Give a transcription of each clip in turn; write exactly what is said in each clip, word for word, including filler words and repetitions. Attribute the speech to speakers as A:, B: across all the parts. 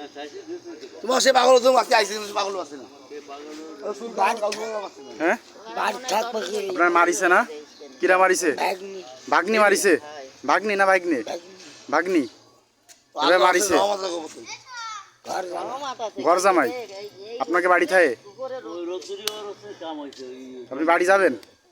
A: তোমার সে পাগল তুমি আজকে আইসি পাগল আছে না
B: হ্যাঁ আপনার মারিছে না কিরা মারিছে ভাগ্নি মারিছে ভাগ্নি না ভাগ্নি ভাগ্নি এবার মারিছে ঘর জামাই আপনাকে বাড়ি থাকে আপনি বাড়ি যাবেন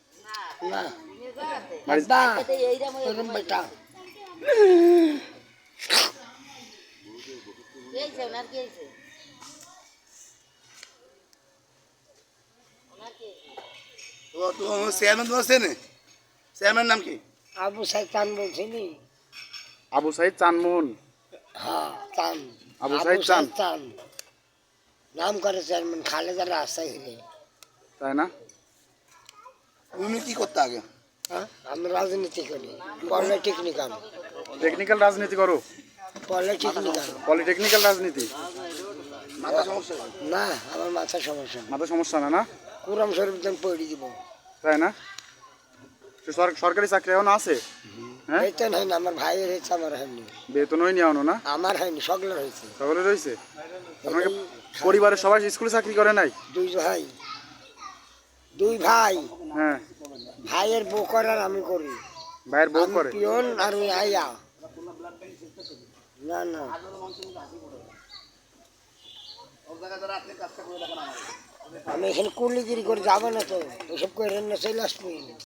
A: চেয়ারম্যান তোমার চেনে চেয়ারম্যান নাম কি
C: আবু সাইদ চান বলছিনি
B: আবু সাইদ চানমোহন
C: হ্যাঁ চান
B: আবু সাইদ চান
C: চান নাম করে চেয়ারম্যান খালেদার রাস্তায় গেলে
B: তাই না
A: তুমি কি করতে আগে
C: হ্যাঁ আমি রাজনীতি করি পলিটেকনিক্যাল
B: টেকনিক্যাল রাজনীতি করো
C: পলিটেকনিক্যাল
B: পলিটেকনিক্যাল রাজনীতি
A: মাথা সমস্যা
C: না আমার মাথার সমস্যা
B: মাথা সমস্যা না না
C: কুরাম শরীফ যেন পড়ে দিব
B: তাই না সরকারি চাকরি এখন আছে হ্যাঁ
C: বেতন হয়নি আমার ভাইয়ের হয়েছে আমার হয়নি
B: বেতন হয়নি এখনো না
C: আমার হয়নি সকলের হয়েছে
B: সকলে রয়েছে আপনাকে পরিবারের সবাই স্কুলে চাকরি করে নাই
C: দুই ভাই দুই ভাই
B: হ্যাঁ
C: ভাইয়ের বউ করে আর আমি করি
B: ভাইয়ের বউ করে
C: পিয়ন আর ওই আইয়া না না আমি এখানে কুলিগিরি করে যাবো না তো এসব করে না চলে আসবি